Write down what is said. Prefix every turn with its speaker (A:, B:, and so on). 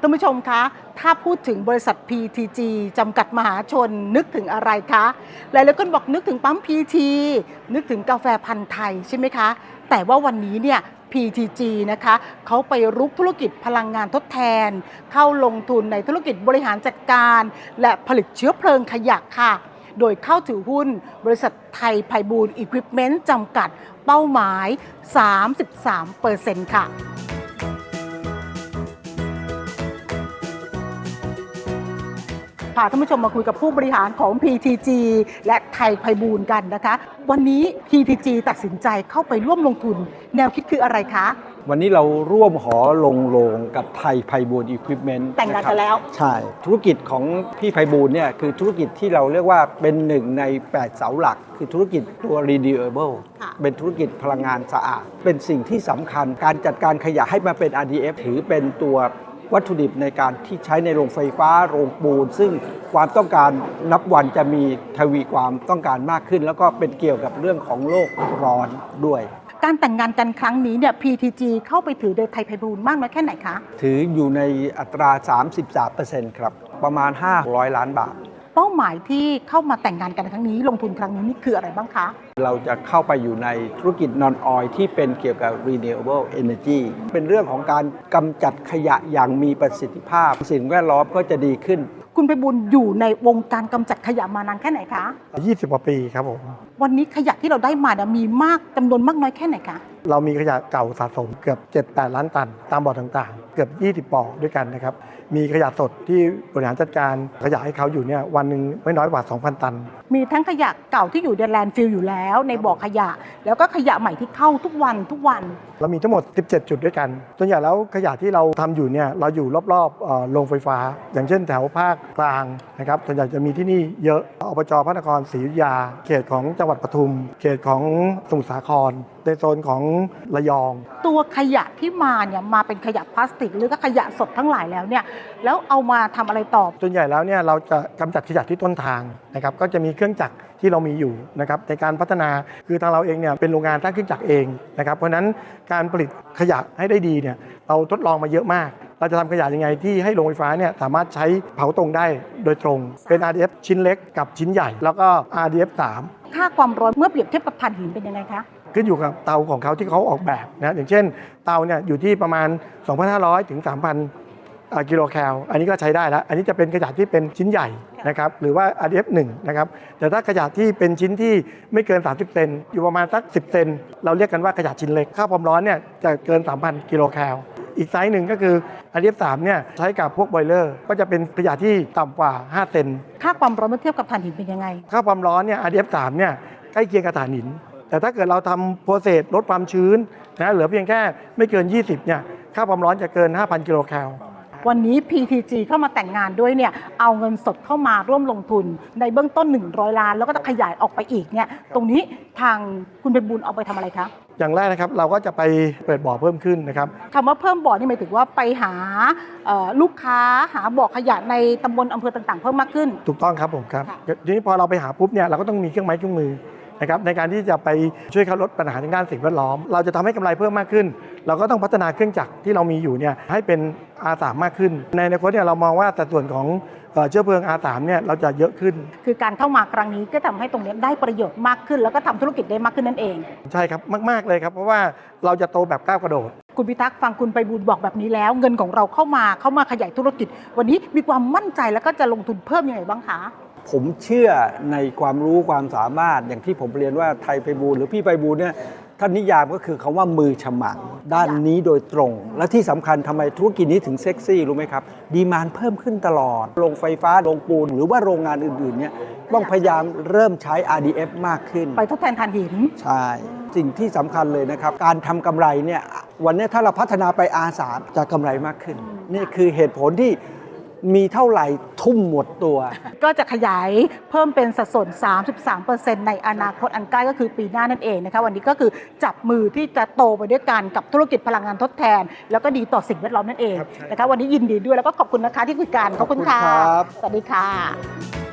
A: ท่านผู้ชมคะถ้าพูดถึงบริษัท PTG จำกัดมหาชนนึกถึงอะไรคะหลายๆคนบอกนึกถึงปั๊ม PT นึกถึงกาแฟพันธุ์ไทยใช่ไหมคะแต่ว่าวันนี้เนี่ย PTG นะคะเขาไปรุกธุรกิจพลังงานทดแทนเข้าลงทุนในธุรกิจบริหารจัดการและผลิตเชื้อเพลิงขยะค่ะโดยเข้าถือหุ้นบริษัทไทยไพบูลย์อิควิปเมนต์จำกัดเป้าหมาย 33% ค่ะพาท่านผู้ชมมาคุยกับผู้บริหารของ PTG และไทยไพบูลย์กันนะคะวันนี้ PTG ตัดสินใจเข้าไปร่วมลงทุนแนวคิดคืออะไรคะ
B: วันนี้เราร่วมหอลงโรงกับไทยไพบูลย์อิควิปเมนต์
A: แต่งงานกันแล้ว
B: ใช่ธุรกิจของพี่ไพบูลย์เนี่ยคือธุรกิจที่เราเรียกว่าเป็นหนึ่งใน8เสาหลักคือธุรกิจตัว renewable เป็นธุรกิจพลังงานสะอาดเป็นสิ่งที่สำคัญการจัดการขยะให้มาเป็น RDF ถือเป็นตัววัตถุดิบในการที่ใช้ในโรงไฟฟ้าโรงปูนซึ่งความต้องการนับวันจะมีทวีความต้องการมากขึ้นแล้วก็เป็นเกี่ยวกับเรื่องของโลกร้อนด้วย
A: การแต่งงานกันครั้งนี้เนี่ย PTG เข้าไปถือโดยไทยไพบูลย์มากน้อยแค่ไหนคะ
B: ถืออยู่ในอัตรา 33% ครับประมาณ500 ล้านบาท
A: เป้าหมายที่เข้ามาแต่งงานกันครั้งนี้ลงทุนครั้งนี้นี่คืออะไรบ้างคะ
B: เราจะเข้าไปอยู่ในธุรกิจ Non-Oil ที่เป็นเกี่ยวกับ Renewable Energy เป็นเรื่องของการกำจัดขยะอย่างมีประสิทธิภาพสิ่งแวดล้อมก็จะดีขึ้น
A: คุณไพบูลย์อยู่ในวงการกำจัดขยะมานานแค่ไหนคะ
C: 20 กว่าปีครับผม
A: วันนี้ขยะที่เราได้มามีมากจำนวนมากน้อยแค่ไหนคะ
C: เรามีขยะเก่าสะสมเกือบ 7-8 ล้านตันตามบ่อต่างๆเกือบ20บ่อด้วยกันนะครับมีขยะสดที่บริหารจัดการขยะให้เขาอยู่เนี่ยวันหนึ่งไม่น้อยกว่า 2,000 ตัน
A: มีทั้งขยะเก่าที่อยู่ในแลนด์ฟิลอยู่แล้วในบ่อขยะแล้วก็ขยะใหม่ที่เข้าทุกวัน
C: เรามีทั้งหมด17จุดด้วยกันส่วนใหญ่แล้วขยะที่เราทำอยู่เนี่ยเราอยู่รอบๆโรงไฟฟ้าอย่างเช่นแถวภาคกลางนะครับส่วนใหญ่จะมีที่นี่เยอะอบจ.พระนครศรีอยุธยาเขตของจังหวัดปทุมเขตของสมุทรสาครในโซนของระยอง
A: ตัวขยะที่มาเนี่ยมาเป็นขยะพลาสติกหรือก็ขยะสดทั้งหลายแล้วเนี่ยแล้วเอามาทำอะไรต่อ
C: ส่วนใหญ่แล้วเนี่ยเราจะกำจัดขยะที่ต้นทางนะครับก็จะมีเครื่องจักรที่เรามีอยู่นะครับในการพัฒนาคือทางเราเองเนี่ยเป็นโรงงานสร้างเครื่องจักรเองนะครับเพราะฉะนั้นการผลิตขยะให้ได้ดีเนี่ยเราทดลองมาเยอะมากเราจะทำขยะยังไงที่ให้โรงไฟฟ้าเนี่ยสามารถใช้เผาตรงได้โดยตรงเป็น RDF ชิ้นเล็กกับชิ้นใหญ่แล้วก็ RDF 3
A: ค่าความร้อนเมื่อเปรียบเทียบกับถ่านหินเป็นยังไงคะ
C: ขึ้นอยู่กับเตาของเขาที่เขาออกแบบนะอย่างเช่นเตาเนี่ยอยู่ที่ประมาณ 2,500 ถึง 3,000 กิโลแคลอันนี้ก็ใช้ได้แล้วอันนี้จะเป็นขยะที่เป็นชิ้นใหญ่นะครับหรือว่า RDF 1นะครับแต่ถ้าขยะที่เป็นชิ้นที่ไม่เกิน30เซนอยู่ประมาณสัก10เซนเราเรียกกันว่าขยะชิ้นเล็กค่าความร้อนเนี่ยจะเกิน 3,000 กิโลแคลอีกไซส์หนึ่งก็คือ RDF 3เนี่ยใช้กับพวกบอยเลอร์ก็จะเป็นขยะที่ต่ำกว่า5เซน
A: ค่าความร้อนเมื่อเทียบกับถ่านหินเป็นยังไง
C: ค่าความร้อนเนี่ย RDF 3เนี่ยใกล้เคียงกับถ่านหินแต่ถ้าเกิดเราทำโปรเซสลดความชื้นนะเหลือเพียงแค่ไม่เกิน20เนี่ยค่าความร้อนจะเกิน 5,000 กิโลแคล
A: วันนี้ PTG เข้ามาแต่งงานด้วยเนี่ยเอาเงินสดเข้ามาร่วมลงทุนในเบื้องต้น100 ล้านแล้วก็จะขยายออกไปอีกเนี่ยตรงนี้ทางคุณไพบูลย์เอาไปทำอะไรคะ
C: อย่างแรกนะครับเราก็จะไปเปิดบ่อเพิ่มขึ้นนะครับ
A: คำว่าเพิ่มบ่อนี่หมายถึงว่าไปหาลูกค้าหาบ่อขยะในตำบลอำเภอต่างๆเพิ่มมากขึ้น
C: ถูกต้องครับผมครับทีนี้พอเราไปหาปุ๊บเนี่ยเราก็ต้องมีเครื่องไม้เครื่องมือนะครับในการที่จะไปช่วยเขาลดปัญหาทางด้านสิ่งแวดล้อมเราจะทำให้กำไรเพิ่มมากขึ้นเราก็ต้องพัฒนาเครื่องจักรที่เรามีอยู่เนี่ยให้เป็น R3 มากขึ้นในอนาคตเนี่ยเรามองว่าสัดส่วนของเชื้อเพลิง R3 เนี่ยเราจะเยอะขึ้น
A: คือการเข้ามาครั้งนี้ก็ทำให้ตรงนี้ได้ประโยชน์มากขึ้นแล้วก็ทำธุรกิจได้มากขึ้นนั่นเอง
C: ใช่ครับมากๆเลยครับเพราะว่าเราจะโตแบบก้าวกระโดด
A: คุณพิทักษ์ฟังคุณไพบูลย์บอกแบบนี้แล้วเงินของเราเข้ามาขยายธุรกิจวันนี้มีความมั่นใจแล้วก็จะลงทุนเพิ่มยังไงบ้างคะ
B: ผมเชื่อในความรู้ความสามารถอย่างที่ผมเรียนว่าไทยไพบูลย์หรือพี่ไพบูลย์เนี่ยท่านนิยามก็คือคำว่ามือฉมังด้านนี้โดยตรงและที่สำคัญทำไมธุรกิจนี้ถึงเซ็กซี่รู้ไหมครับดีมานด์เพิ่มขึ้นตลอดโรงไฟฟ้าโรงปูนหรือว่าโรงงานอื่นๆเนี่ยต้องพยายามเริ่มใช้ RDF มากขึ้น
A: ไปทดแทนถ่านหิน
B: ใช่สิ่งที่สำคัญเลยนะครับการทำกำไรเนี่ยวันนี้ถ้าเราพัฒนาไป R3 จะกำไรมากขึ้นนี่คือเหตุผลที่มีเท่าไหร่ทุ่มหมดตัว
A: ก็จะขยายเพิ่มเป็นสัดส่วน 33% ในอนาคตอันใกล้ก็คือปีหน้านั่นเองนะคะวันนี้ก็คือจับมือที่จะโตไปด้วยกันกับธุรกิจพลังงานทดแทนแล้วก็ดีต่อสิ่งแวดล้อมนั่นเองนะคะวันนี้ยินดีด้วยแล้วก็ขอบคุณนะคะที่คุยกันขอบคุณค่ะสวัสดีค่ะ